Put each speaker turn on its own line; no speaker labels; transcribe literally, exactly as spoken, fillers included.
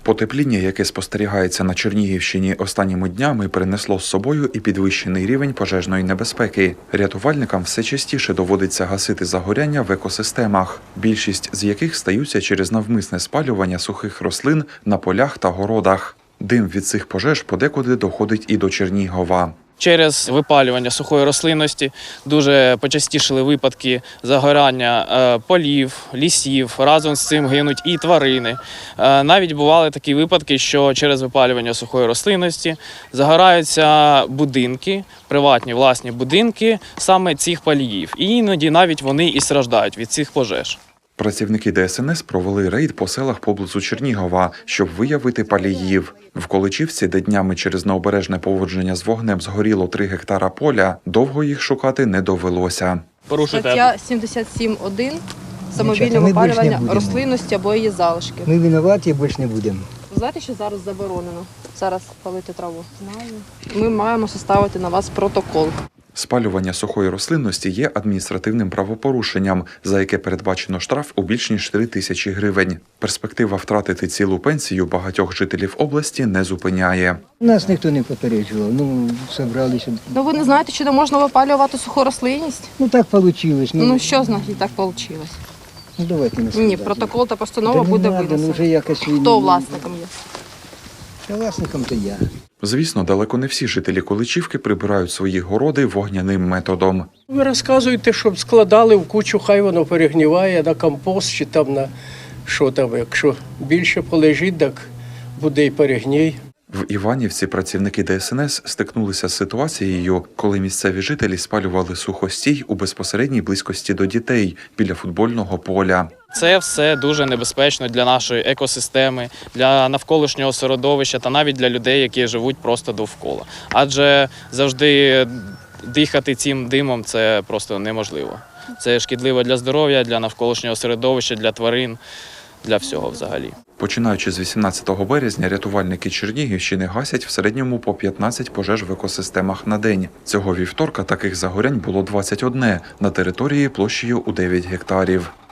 Потепління, яке спостерігається на Чернігівщині останніми днями, принесло з собою і підвищений рівень пожежної небезпеки. Рятувальникам все частіше доводиться гасити загоряння в екосистемах, більшість з яких стаються через навмисне спалювання сухих рослин на полях та городах. Дим від цих пожеж подекуди доходить і до Чернігова.
Через випалювання сухої рослинності дуже почастішили випадки загорання полів, лісів, разом з цим гинуть і тварини. Навіть бували такі випадки, що через випалювання сухої рослинності загораються будинки, приватні власні будинки саме цих паліїв. І іноді навіть вони і страждають від цих пожеж.
Працівники Де Ес Ен Ес провели рейд по селах поблизу Чернігова, щоб виявити паліїв. В Количівці, де днями через необережне поводження з вогнем згоріло три гектара поля, довго їх шукати не довелося.
Стаття сімдесят сім один самовільне випалювання рослинності або її залишки.
Ми винуваті, більше не будемо.
Ви знаєте, що зараз заборонено? Зараз палити траву. Знаю. Ми маємо составити на вас протокол.
Спалювання сухої рослинності є адміністративним правопорушенням, за яке передбачено штраф у більш ніж три тисячі гривень. Перспектива втратити цілу пенсію багатьох жителів області не зупиняє.
Нас ніхто не попереджував, ну, зібралися.
Ну ви не знаєте, чи не можна випалювати суху рослинність?
Ну так вийшло. Ну,
ну що значить так вийшло?
Ну давайте не
Ні, протокол та постанова
да
буде
винесена. Ну, вже якось...
Хто власником є?
Та власником то я.
Звісно, далеко не всі жителі Количівки прибирають свої городи вогняним методом.
Ви розказуєте, щоб складали в кучу, хай воно перегніває на компост чи там на що там. Якщо більше полежить, так буде і перегній.
В Іванівці працівники Де Ес Ен Ес стикнулися з ситуацією, коли місцеві жителі спалювали сухостій у безпосередній близькості до дітей біля футбольного поля.
Це все дуже небезпечно для нашої екосистеми, для навколишнього середовища та навіть для людей, які живуть просто довкола. Адже завжди дихати цим димом – це просто неможливо. Це шкідливо для здоров'я, для навколишнього середовища, для тварин, для всього взагалі.
Починаючи з вісімнадцятого березня, рятувальники Чернігівщини гасять в середньому по п'ятнадцять пожеж в екосистемах на день. Цього вівторка таких загорянь було двадцять одне на території площею у дев'ять гектарів.